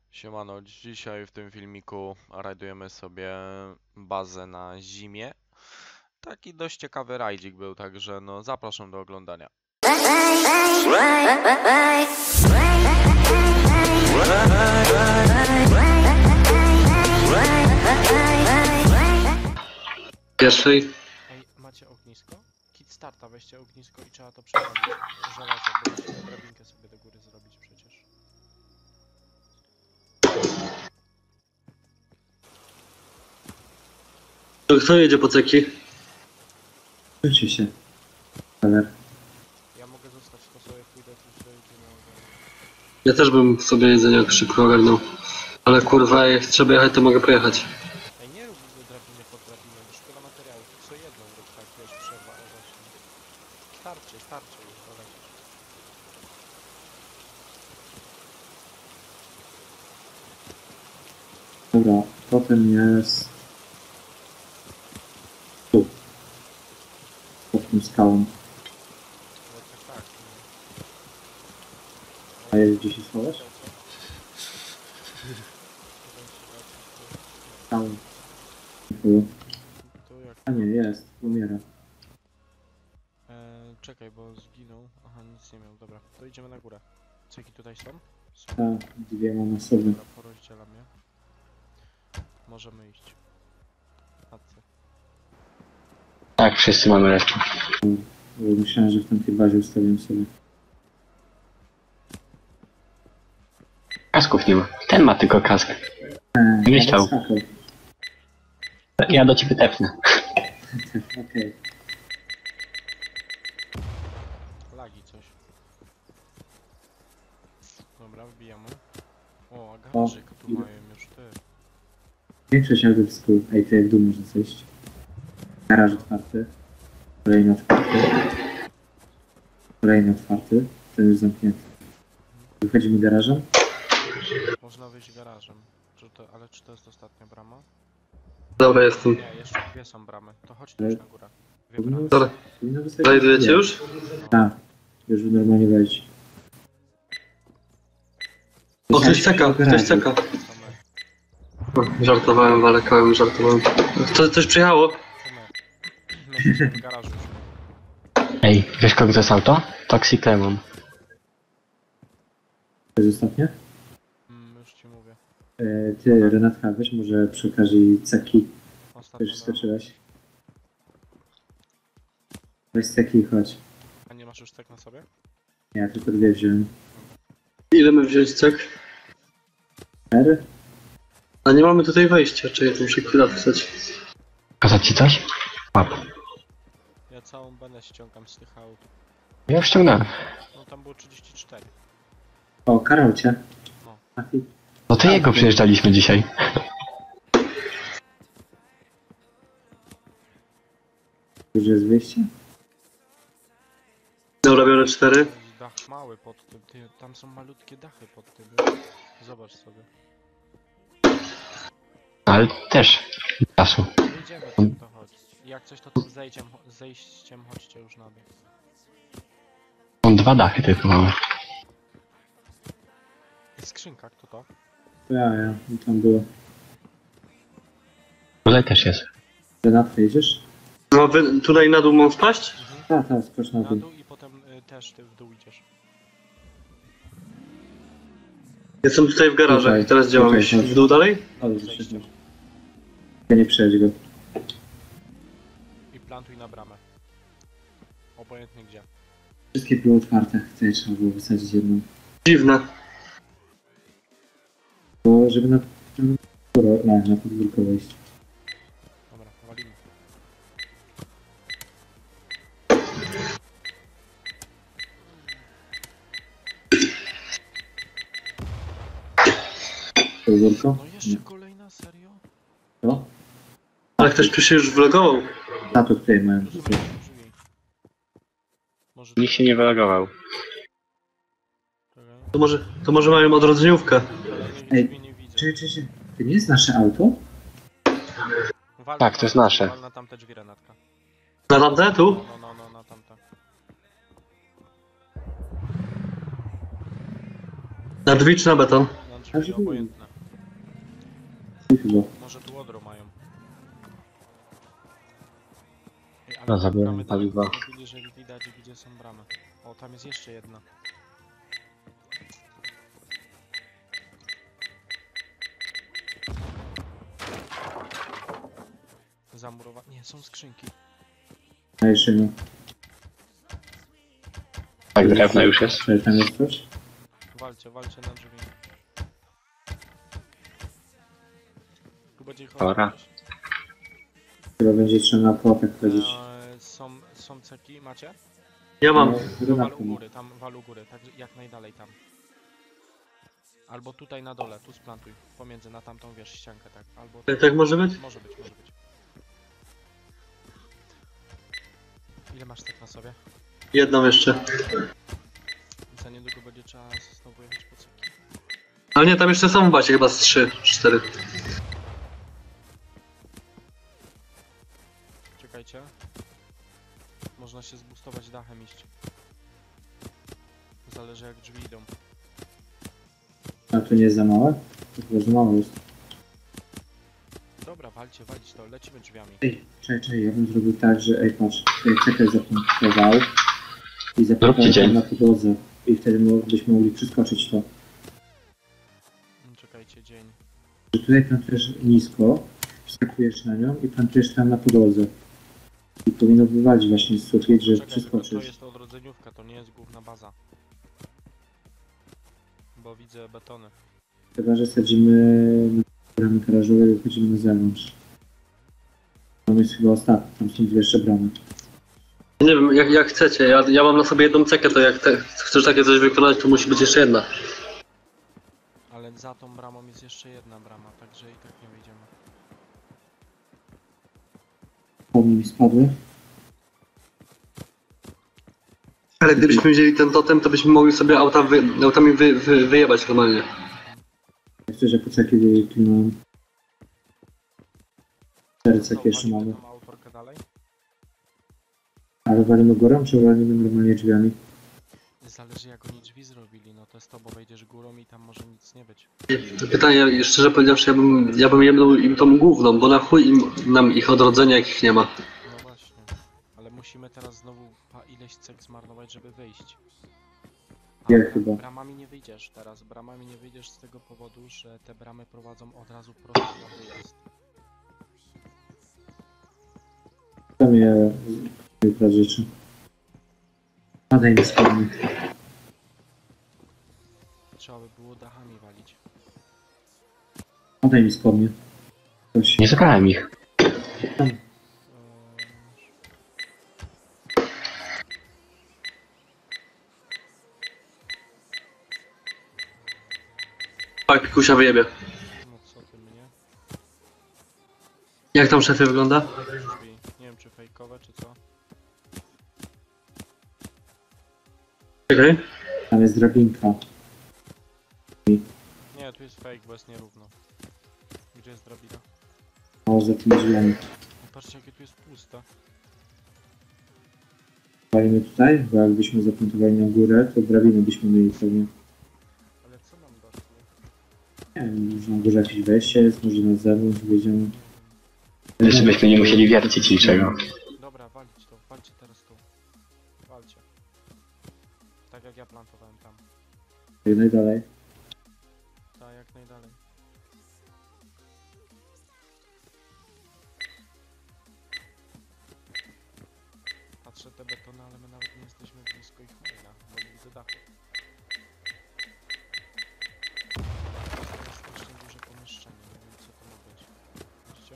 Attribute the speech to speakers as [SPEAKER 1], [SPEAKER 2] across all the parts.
[SPEAKER 1] Siemano, dzisiaj w tym filmiku rajdujemy sobie bazę na zimie. Taki dość ciekawy rajdzik był, także no zapraszam do oglądania.
[SPEAKER 2] Pierwszej.
[SPEAKER 1] Ej, macie ognisko? Kit starta, weźcie ognisko i trzeba to przepalić. Żelazo, bo musimy drabinkę sobie do góry zrobić przecież.
[SPEAKER 2] Kto jedzie po ceki?
[SPEAKER 3] Kończy się. Ale
[SPEAKER 1] Ja mogę zostać, to sobie pójdę tu sobie gdzie mogę.
[SPEAKER 2] Ja też bym sobie jedzenie szybko ogarnął. Ale kurwa, jak trzeba jechać, to mogę pojechać.
[SPEAKER 1] Ej, nie rób drabiny pod drabiną, bo szkoda materiałów. Co jedną rób tak, wiesz, trzeba, o właśnie. Starczy już, dolecisz.
[SPEAKER 3] dobra, potem jest tu. Pod tym skałą.
[SPEAKER 1] No tak.
[SPEAKER 3] A jest gdzie się schowasz? Skałą. Tu.
[SPEAKER 1] Tu jak...
[SPEAKER 3] A nie, jest. Umiera.
[SPEAKER 1] czekaj, bo zginął. Aha, nic nie miał. Dobra, to idziemy na górę. Ceki tutaj są? Są.
[SPEAKER 3] Tak, dwie mam na sobie.
[SPEAKER 1] Dobra, porozdzielam je. Możemy iść. Chodźcie.
[SPEAKER 2] Tak, wszyscy mamy resztę.
[SPEAKER 3] Myślałem, że w tamtej bazie ustawiam sobie.
[SPEAKER 2] Kasków nie ma. Ten ma tylko kask. Nie chciał.
[SPEAKER 3] skakał.
[SPEAKER 2] Ja do ciebie tepnę.
[SPEAKER 3] Okej.
[SPEAKER 1] Lagi coś. Dobra, wbijamy. O, a garażyk tu
[SPEAKER 3] idę.
[SPEAKER 1] mają już ty.
[SPEAKER 3] Większość autów z kół. Ej, tu jak w dół można zejść. Garaż otwarty. Kolejny otwarty. Kolejny otwarty. Ten już zamknięty. Wychodzimy garażem.
[SPEAKER 1] Można wyjść garażem. Ale czy to jest ostatnia brama?
[SPEAKER 2] Dobra, jestem.
[SPEAKER 1] Nie, jeszcze dwie są bramy. To chodź już na górę. Dwie bramy.
[SPEAKER 3] Powinno,
[SPEAKER 2] Dobra.
[SPEAKER 3] powinno wystarczyć.
[SPEAKER 2] Znajdujecie już?
[SPEAKER 3] Tak. Już normalnie wejść.
[SPEAKER 2] O, ktoś czeka, ktoś czeka.
[SPEAKER 1] To my.
[SPEAKER 2] O, żartowałem, walekałem, żartowałem. Coś przyjechało?
[SPEAKER 1] To my. My jesteśmy w garażu już.
[SPEAKER 4] Ej, wiesz kogo to jest auto? Toxic Lemon.
[SPEAKER 3] To jest ostatnie?
[SPEAKER 1] Już ci mówię.
[SPEAKER 3] Ty, Renatka, weź może przy okazji ceki.
[SPEAKER 1] Ostatnia
[SPEAKER 3] Już
[SPEAKER 1] brama.
[SPEAKER 3] skoczyłeś. Weź ceki i chodź.
[SPEAKER 1] A nie masz już tak na sobie?
[SPEAKER 3] Ja tylko dwie wziąłem.
[SPEAKER 2] Ile my wziąć cek?
[SPEAKER 3] R?
[SPEAKER 2] A nie mamy tutaj wejścia, czy ja tu muszę chwilę wstać.
[SPEAKER 4] Pokazać ci coś? Łap.
[SPEAKER 1] Ja całą benę ściągam z tych aut.
[SPEAKER 4] Ja już ściągnąłem.
[SPEAKER 1] No tam było 34.
[SPEAKER 3] O, karał cię.
[SPEAKER 1] No.
[SPEAKER 3] Trafi.
[SPEAKER 4] No to jego przyjeżdżaliśmy dzisiaj.
[SPEAKER 3] Już jest wyjście?
[SPEAKER 2] Dobra, biorę 4.
[SPEAKER 1] Dach mały pod tym. Ty, tam są malutkie dachy pod tym. Zobacz sobie.
[SPEAKER 4] Ale też czasu.
[SPEAKER 1] Idziemy tam, to chodź. Jak coś to tym zejściem chodźcie już na dół.
[SPEAKER 4] Są dwa dachy tylko mamy.
[SPEAKER 1] Jest skrzynka, kto to?
[SPEAKER 3] Ja. I tam było.
[SPEAKER 4] Tutaj też jest.
[SPEAKER 3] Renatka, jedziesz?
[SPEAKER 2] No, wy tutaj na dół mam wpaść?
[SPEAKER 3] Tak, skocz na
[SPEAKER 1] Na
[SPEAKER 3] dół.
[SPEAKER 1] dół i potem też ty w dół idziesz.
[SPEAKER 2] Jestem tutaj w garażach.
[SPEAKER 3] Tutaj.
[SPEAKER 2] Teraz gdzie mam
[SPEAKER 3] Tutaj,
[SPEAKER 2] iść?
[SPEAKER 3] chodź.
[SPEAKER 2] W dół dalej?
[SPEAKER 3] Ale
[SPEAKER 1] Zejściem.
[SPEAKER 3] Ja nie przejdź go.
[SPEAKER 1] I plantuj na bramę. Obojętnie gdzie.
[SPEAKER 3] Wszystkie były otwarte. Tutaj trzeba było wysadzić jedną.
[SPEAKER 2] Dziwne.
[SPEAKER 3] Bo żeby na podwórko wejść.
[SPEAKER 1] Dobra, walimy.
[SPEAKER 3] Podwórko?
[SPEAKER 1] No jeszcze kolejna, serio?
[SPEAKER 3] To?
[SPEAKER 2] Ale ktoś tu się już vlogował.
[SPEAKER 3] A to tutaj mają.
[SPEAKER 1] Drzwi. Może
[SPEAKER 4] Nikt się nie wylogował.
[SPEAKER 1] Czekaj.
[SPEAKER 2] To może mają odrodzeniówkę.
[SPEAKER 1] Kolejnych
[SPEAKER 3] Ej,
[SPEAKER 1] drzwi nie widzę.
[SPEAKER 3] Czy. To nie jest nasze auto?
[SPEAKER 1] Wal
[SPEAKER 4] Tak,
[SPEAKER 1] na
[SPEAKER 4] to jest
[SPEAKER 1] tamte,
[SPEAKER 4] nasze.
[SPEAKER 1] Wal na tamte drzwi, Renatka.
[SPEAKER 2] Na tamte? Tu?
[SPEAKER 1] No, na tamte.
[SPEAKER 2] Na drzwi czy na beton?
[SPEAKER 1] Na
[SPEAKER 3] A,
[SPEAKER 1] drzwi,
[SPEAKER 3] żeby-
[SPEAKER 1] obojętne.
[SPEAKER 3] Chyba.
[SPEAKER 1] Może tu odro mają. Ej, ale
[SPEAKER 4] No,
[SPEAKER 1] te
[SPEAKER 4] zabiłem
[SPEAKER 1] bramy daleko
[SPEAKER 4] paliwa.
[SPEAKER 1] zrobili, że widać gdzie są bramy. O, tam jest jeszcze jedna. Nie, są skrzynki.
[SPEAKER 3] A jeszcze nie.
[SPEAKER 4] Tak, drewno już jest.
[SPEAKER 3] Czy tam jest coś?
[SPEAKER 1] Walcie na drzwi. Tu będzie ich
[SPEAKER 4] Dobra.
[SPEAKER 1] odrobić.
[SPEAKER 3] Chyba będzie trzeba na płotek chodzić.
[SPEAKER 1] Są ceki, macie?
[SPEAKER 2] Ja mam.
[SPEAKER 3] No,
[SPEAKER 1] To
[SPEAKER 3] granatą.
[SPEAKER 1] wal u góry, tam wal u góry, tak jak najdalej tam. Albo tutaj na dole, tu splantuj. Pomiędzy, na tamtą wiesz, ściankę, tak. Albo
[SPEAKER 2] Tak może być?
[SPEAKER 1] Może być. Ile masz tak na sobie?
[SPEAKER 2] Jedną jeszcze.
[SPEAKER 1] Za niedługo będzie trzeba znowu jechać po ceki.
[SPEAKER 2] Ale nie, tam jeszcze są w bazie chyba z 3, 4.
[SPEAKER 1] Czekajcie. Można się zbustować dachem iść. Zależy jak drzwi idą.
[SPEAKER 3] A to nie jest za małe? To chyba za małe jest.
[SPEAKER 1] Dobra, walcie to, lecimy drzwiami.
[SPEAKER 3] Ej, czekaj, ja bym zrobił tak, że ej patrz, cekę zapunktował i
[SPEAKER 4] Zróbcie
[SPEAKER 3] zapunktował
[SPEAKER 4] dzień.
[SPEAKER 3] tam na podłodze i wtedy byśmy mogli przeskoczyć to.
[SPEAKER 1] Czekajcie, dzień.
[SPEAKER 3] Że tutaj plantujesz nisko, wskakujesz na nią i plantujesz tam na podłodze. I powinno wywalić właśnie z sufit, że
[SPEAKER 1] Czekaj, tylko to
[SPEAKER 3] przeskoczysz.
[SPEAKER 1] jest odrodzeniówka, to nie jest główna baza. Bo widzę betony.
[SPEAKER 3] Chyba, że sadzimy na bramy garażowe i wychodzimy na zewnątrz. Tam jest chyba ostatni, tam są dwie jeszcze bramy.
[SPEAKER 2] Nie wiem, jak chcecie. Ja mam na sobie jedną cekę, to jak chcesz takie coś wykonać, to musi być jeszcze jedna.
[SPEAKER 1] Ale za tą bramą jest jeszcze jedna brama, także i tak nie wyjdziemy.
[SPEAKER 3] Pomni mi spadły.
[SPEAKER 2] Ale gdybyśmy wzięli ten totem, to byśmy mogli sobie autami wyjebać normalnie.
[SPEAKER 3] Chcę, że poczekaj, tu mam 4
[SPEAKER 1] Co,
[SPEAKER 3] ceki jeszcze
[SPEAKER 1] walimy
[SPEAKER 3] mamy.
[SPEAKER 1] tą autorkę dalej?
[SPEAKER 3] Ale walimy górą, czy walimy normalnie drzwiami?
[SPEAKER 1] Zależy jak oni drzwi zrobili, no to z tobą wejdziesz górą i tam może nic nie być.
[SPEAKER 2] Pytanie, szczerze powiedziawszy, ja bym jebnął im tą główną, bo na chuj nam ich odrodzenia, jak ich nie ma.
[SPEAKER 1] No właśnie, ale musimy teraz znowu ileś cek zmarnować, żeby wyjść.
[SPEAKER 3] Ja chyba.
[SPEAKER 1] Bramami nie wyjdziesz teraz, bramami nie wyjdziesz z tego powodu, że te bramy prowadzą od razu prosto na wyjazd.
[SPEAKER 3] Tam je jutro rzeczy. Padaj mi spodnie.
[SPEAKER 1] Trzeba by było dachami walić.
[SPEAKER 3] Padaj mi spodnie. Coś.
[SPEAKER 4] Nie zabrałem ich.
[SPEAKER 2] Tak, pikusia wyjebie.
[SPEAKER 1] No co ty mnie?
[SPEAKER 2] Jak tam szefie wygląda?
[SPEAKER 1] Drzwi. Nie wiem czy fejkowe czy co.
[SPEAKER 2] Czekaj.
[SPEAKER 3] Tam jest drabinka.
[SPEAKER 1] Nie, tu jest fake, bo jest nierówno. Gdzie jest drabina?
[SPEAKER 3] O, za tymi drzwiami.
[SPEAKER 1] No patrzcie jakie tu jest puste.
[SPEAKER 3] Walimy tutaj, bo jakbyśmy zapuntowali na górę, to drabiny byśmy mieli pewnie.
[SPEAKER 1] Ale co nam da tu?
[SPEAKER 3] Nie wiem, może na górze jakieś wejście jest, może na zewnątrz wyjdziemy.
[SPEAKER 4] Jeszcze byśmy nie musieli wiercić niczego.
[SPEAKER 1] Dobra, walcie teraz tu. Walcie. Tak jak ja plantowałem tam.
[SPEAKER 3] Najdalej.
[SPEAKER 1] Tak, jak najdalej. Patrzę te betony, ale my nawet nie jesteśmy blisko ich maila, bo nie widzę dachu. To jest strasznie duże pomieszczenie, nie wiem co to ma być. Widzicie?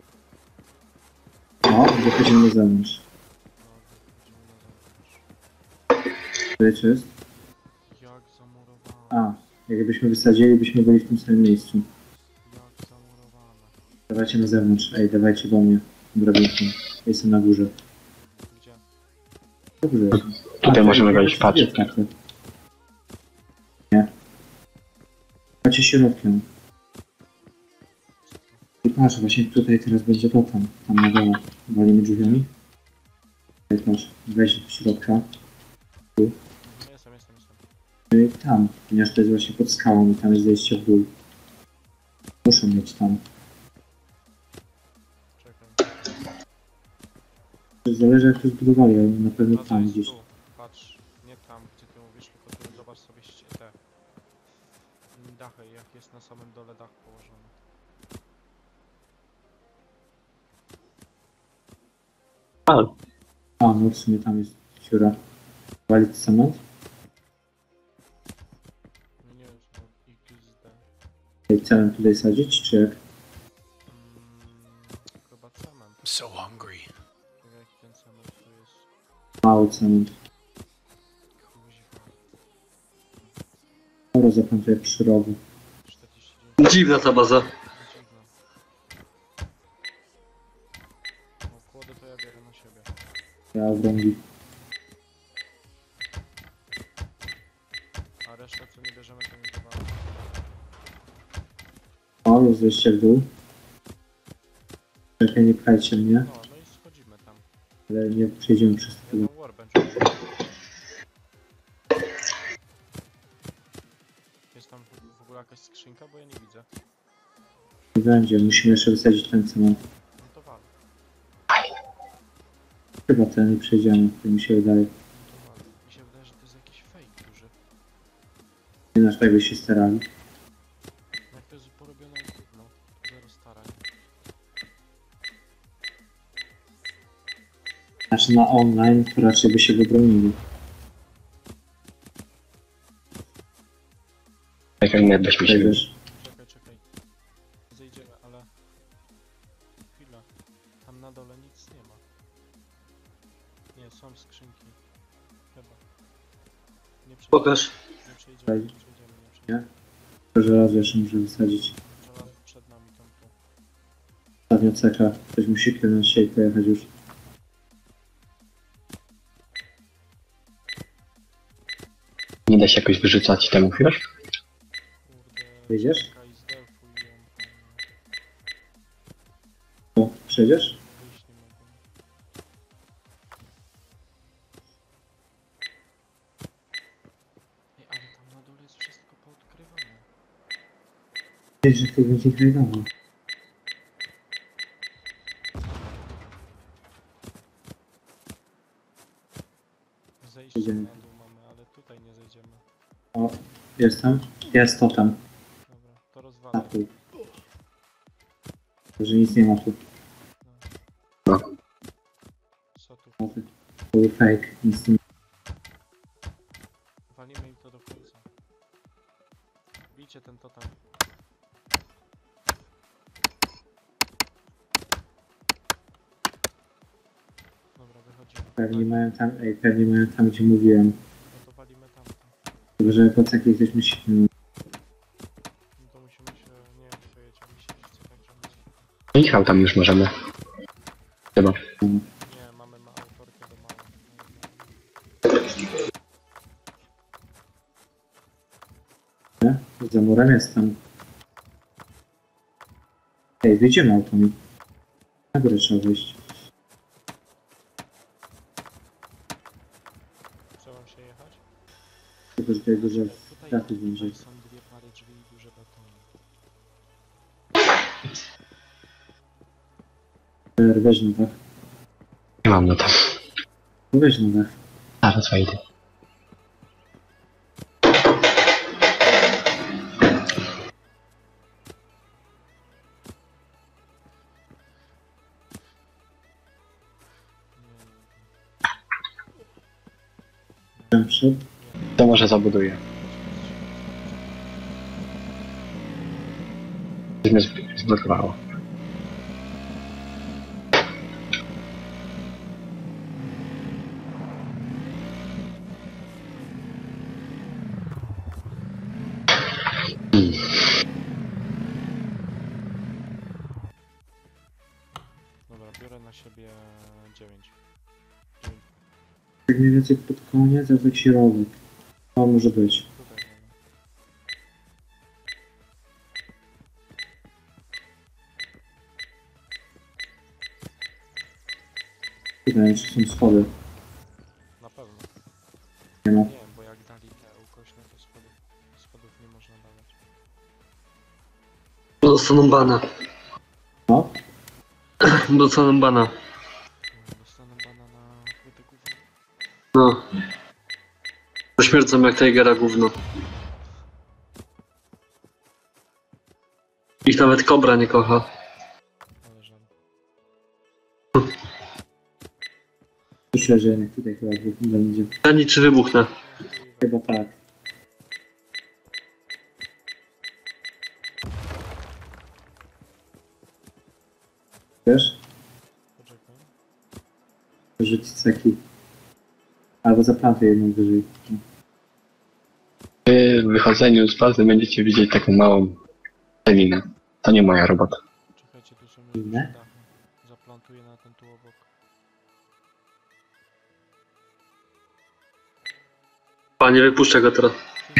[SPEAKER 3] O, wychodzimy na zewnątrz.
[SPEAKER 1] No, wychodzimy na zewnątrz.
[SPEAKER 3] Tutaj co jest?
[SPEAKER 1] Jak zamurowane.
[SPEAKER 3] A, jakbyśmy wysadzili, byśmy byli w tym samym miejscu.
[SPEAKER 1] Jak zamurowane.
[SPEAKER 3] Dawajcie na zewnątrz. Ej, dawajcie do mnie. Drabinką. Jestem na górze.
[SPEAKER 1] Gdzie?
[SPEAKER 3] Na górze jestem.
[SPEAKER 4] Tutaj możemy
[SPEAKER 3] to
[SPEAKER 4] wejść,
[SPEAKER 3] jest
[SPEAKER 4] patrz.
[SPEAKER 3] otwarte. Nie. Chodźcie środkiem. I patrz, właśnie tutaj teraz będzie to tam na dole. Walimy drzwiami. Ej, patrz, wejdź do środka.
[SPEAKER 1] Jestem.
[SPEAKER 3] I tam, ponieważ to jest właśnie pod skałą i tam jest zejście w dół. Muszą mieć tam.
[SPEAKER 1] Czekaj.
[SPEAKER 3] Zależy jak to zbudowali, ale na pewno
[SPEAKER 1] No to
[SPEAKER 3] tam
[SPEAKER 1] jest
[SPEAKER 3] gdzieś.
[SPEAKER 1] tu. Patrz, nie tam, gdzie ty mówisz, tylko tu zobacz sobie te dachy, jak jest na samym dole dach położony.
[SPEAKER 3] A, no w sumie tam jest dziura. Walić cement?
[SPEAKER 1] No nie wiem, no XD.
[SPEAKER 3] I cement tutaj sadzić, czy jak?
[SPEAKER 1] Chyba cement.
[SPEAKER 5] I'm so hungry.
[SPEAKER 1] Tak jak ten cement tu jest.
[SPEAKER 3] Mały cement.
[SPEAKER 1] Kuźwa.
[SPEAKER 3] Dobra, zapamiętaj przy rogu.
[SPEAKER 1] 49.
[SPEAKER 2] Dziwna ta baza.
[SPEAKER 1] Dziwne. O, kłody to ja biorę na siebie.
[SPEAKER 3] Ja obrągi.
[SPEAKER 1] A resztę co nie bierzemy to nie dawamy.
[SPEAKER 3] O, jest zejście w dół. Czekaj, nie pchajcie mnie,
[SPEAKER 1] No, no i schodzimy tam.
[SPEAKER 3] ale nie przejdziemy przez to.
[SPEAKER 1] Jeden workbench. Jest tam w ogóle jakaś skrzynka, bo ja nie widzę.
[SPEAKER 3] Nie będzie, musimy jeszcze wysadzić ten cement.
[SPEAKER 1] No to wal,
[SPEAKER 3] Chyba ten nie przejdziemy, to mi się wydaje.
[SPEAKER 1] to wal. Mi się wydaje, że to jest jakiś fake duży.
[SPEAKER 3] Nie nasz tak by się starali.
[SPEAKER 1] Jak to jest porobione jak gówno. Zero starań.
[SPEAKER 3] Znaczy na online to raczej by się wybronili.
[SPEAKER 4] Tak jak my byśmy się
[SPEAKER 3] Wiesz,
[SPEAKER 1] Czekaj. Zejdziemy, ale... Chwila. Tam na dole nic nie ma. Nie, są skrzynki. Chyba. Nie przejdziemy.
[SPEAKER 2] Pokaż.
[SPEAKER 1] Nie przejdziemy, nie przejdziemy, nie przejdziemy.
[SPEAKER 3] to żelazo jeszcze muszę wysadzić.
[SPEAKER 1] Żelazo przed nami tam tu.
[SPEAKER 3] Ostatnio ceka, ktoś musi kierować się i pojechać już.
[SPEAKER 4] nie da się jakoś wyrzucać temu chwilę?
[SPEAKER 1] Kurde.
[SPEAKER 3] Wyjdziesz?
[SPEAKER 1] Czekaj, zdelfuj ją, panie.
[SPEAKER 3] O, przejdziesz?
[SPEAKER 1] Wyjść nie mogę. Ej, ale tam na dole jest wszystko poodkrywane.
[SPEAKER 3] Wiesz, że to będzie grajdowo.
[SPEAKER 1] Zejście
[SPEAKER 3] Idziemy.
[SPEAKER 1] na dół mamy, ale tutaj nie zejdziemy.
[SPEAKER 3] O, jestem. Jest to tam.
[SPEAKER 1] Dobra, to
[SPEAKER 3] Na
[SPEAKER 1] rozwalę.
[SPEAKER 3] pół. Że nic nie ma tu.
[SPEAKER 1] Co tu?
[SPEAKER 3] To był fake, nic nie
[SPEAKER 1] Walimy im to do końca. Bijcie ten totem. Dobra, wychodzimy.
[SPEAKER 3] Pewnie mają tam, pewnie mają tam gdzie mówiłem.
[SPEAKER 1] No to walimy tamto.
[SPEAKER 3] Tylko, że po ceki ktoś musi...
[SPEAKER 1] No to musimy się... Nie wiem, to jedziemy siedzieć, co tak rządzi.
[SPEAKER 4] Michał tam już możemy. Chyba.
[SPEAKER 1] Nie, mamy autorkę do małą.
[SPEAKER 3] Nie? Za murem jestem. Ej, wyjdziemy automi. Na górę trzeba wyjść.
[SPEAKER 1] Trzeba się jechać?
[SPEAKER 3] Tylko, że tutaj duże
[SPEAKER 1] Tutaj,
[SPEAKER 3] dachy będzie.
[SPEAKER 1] tutaj są dwie pary drzwi i duże betony.
[SPEAKER 3] Weź na dach.
[SPEAKER 4] Nie mam no to.
[SPEAKER 3] Weź na dach.
[SPEAKER 4] Zaraz wejdę.
[SPEAKER 3] Tam wszedł.
[SPEAKER 4] To może zabuduję. Coś mnie zblokowało.
[SPEAKER 1] Dobra, biorę na siebie 9.
[SPEAKER 3] Tak mniej więcej pod koniec, a tak środek. To może być.
[SPEAKER 1] Tutaj mamy.
[SPEAKER 3] Tutaj jeszcze są schody.
[SPEAKER 1] Na pewno.
[SPEAKER 3] Nie ma.
[SPEAKER 1] Nie wiem, bo jak dali te ukośne, to
[SPEAKER 2] Dostaną bana.
[SPEAKER 3] No,
[SPEAKER 2] Dostaną bana.
[SPEAKER 1] Dostanę bana na płytę gówno.
[SPEAKER 2] No. Pośmiercą jak Tigera gówno. Ich nawet Kobra nie kocha.
[SPEAKER 1] Ale żal.
[SPEAKER 3] myślę, że jednak tutaj chyba będzie.
[SPEAKER 2] Ani czy wybuchnę.
[SPEAKER 3] Chyba tak. Wiesz?
[SPEAKER 1] Poczekaj.
[SPEAKER 3] Rzucić ceki. Albo zaplantuję jedną wyżej.
[SPEAKER 4] Wy w wychodzeniu z bazy będziecie widzieć taką małą celinę. To nie moja robota.
[SPEAKER 1] Czekajcie, tu są
[SPEAKER 3] Inne?
[SPEAKER 1] już dachy. Zaplantuję na ten tu obok.
[SPEAKER 2] Panie, wypuszczę go teraz.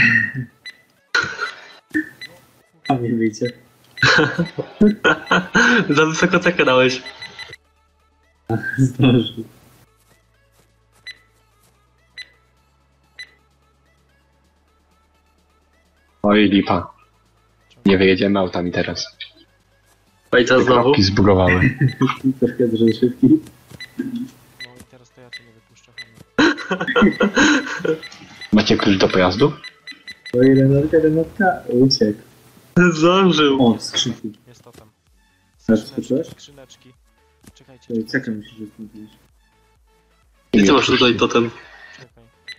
[SPEAKER 3] A nie wyjdzie.
[SPEAKER 2] Za wysoko cekę dałeś.
[SPEAKER 3] Zdążył.
[SPEAKER 4] Oj, lipa. Nie wyjedziemy autami teraz.
[SPEAKER 2] A i teraz
[SPEAKER 4] Te
[SPEAKER 2] znowu.
[SPEAKER 4] kropki zbugowały.
[SPEAKER 3] Troszkę dużo szybki.
[SPEAKER 1] No i teraz to ja cię nie wypuszczę, Hany.
[SPEAKER 4] Macie klucz do pojazdu?
[SPEAKER 3] O, jeden notka, uciekł.
[SPEAKER 2] Zdążył.
[SPEAKER 3] O, skrzynki.
[SPEAKER 1] Jest to tam.
[SPEAKER 3] Też
[SPEAKER 1] Skrzyneczki,
[SPEAKER 3] skoczyłeś?
[SPEAKER 1] skrzyneczki. Czekajcie,
[SPEAKER 3] Cekę
[SPEAKER 1] czekajcie.
[SPEAKER 3] musisz rozpocząć.
[SPEAKER 2] Gdzie ty masz tutaj totem?
[SPEAKER 1] Czekaj.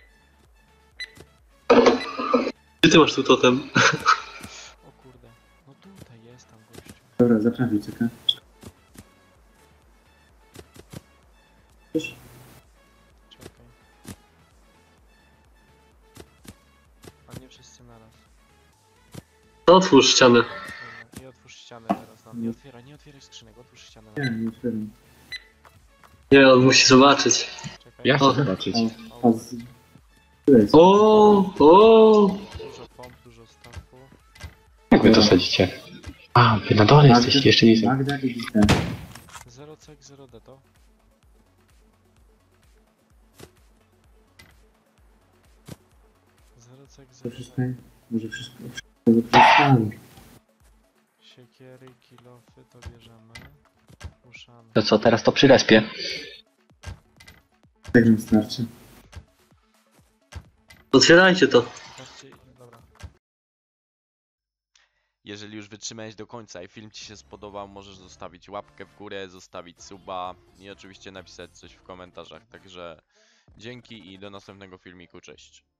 [SPEAKER 2] Gdzie ty masz tu totem?
[SPEAKER 1] O kurde. No tutaj jest tam gościu.
[SPEAKER 3] Dobra, zaprawię cekę.
[SPEAKER 1] Czekaj. A nie wszyscy naraz.
[SPEAKER 2] To otwórz ścianę.
[SPEAKER 1] Dobra, i otwórz ścianę teraz nam. Nie otwieraj skrzynek, otwórz ścianę.
[SPEAKER 3] Nie, nie otwieram.
[SPEAKER 2] Nie, on musi zobaczyć.
[SPEAKER 1] Czekaj.
[SPEAKER 4] Ja chcę
[SPEAKER 2] O.
[SPEAKER 4] zobaczyć.
[SPEAKER 3] O, tu jest.
[SPEAKER 2] O!
[SPEAKER 1] Dużo pomp, dużo stawu.
[SPEAKER 4] Jak wy to sadzicie? A, wy na dole jesteście, jeszcze nie są.
[SPEAKER 3] Magda i Gita.
[SPEAKER 1] 0 cek, 0 deto. Zero cek,
[SPEAKER 3] To
[SPEAKER 1] zero
[SPEAKER 3] wszystko, może wszystko wykorzystamy.
[SPEAKER 1] siekiery, kilofy to bierzemy. Uszany.
[SPEAKER 4] To co, teraz to przy respie?
[SPEAKER 3] Tak nam starczy.
[SPEAKER 2] Otwierajcie to.
[SPEAKER 1] Patrzcie, dobra. Jeżeli już wytrzymałeś do końca i film ci się spodobał, możesz zostawić łapkę w górę, zostawić suba i oczywiście napisać coś w komentarzach. Także dzięki i do następnego filmiku, cześć.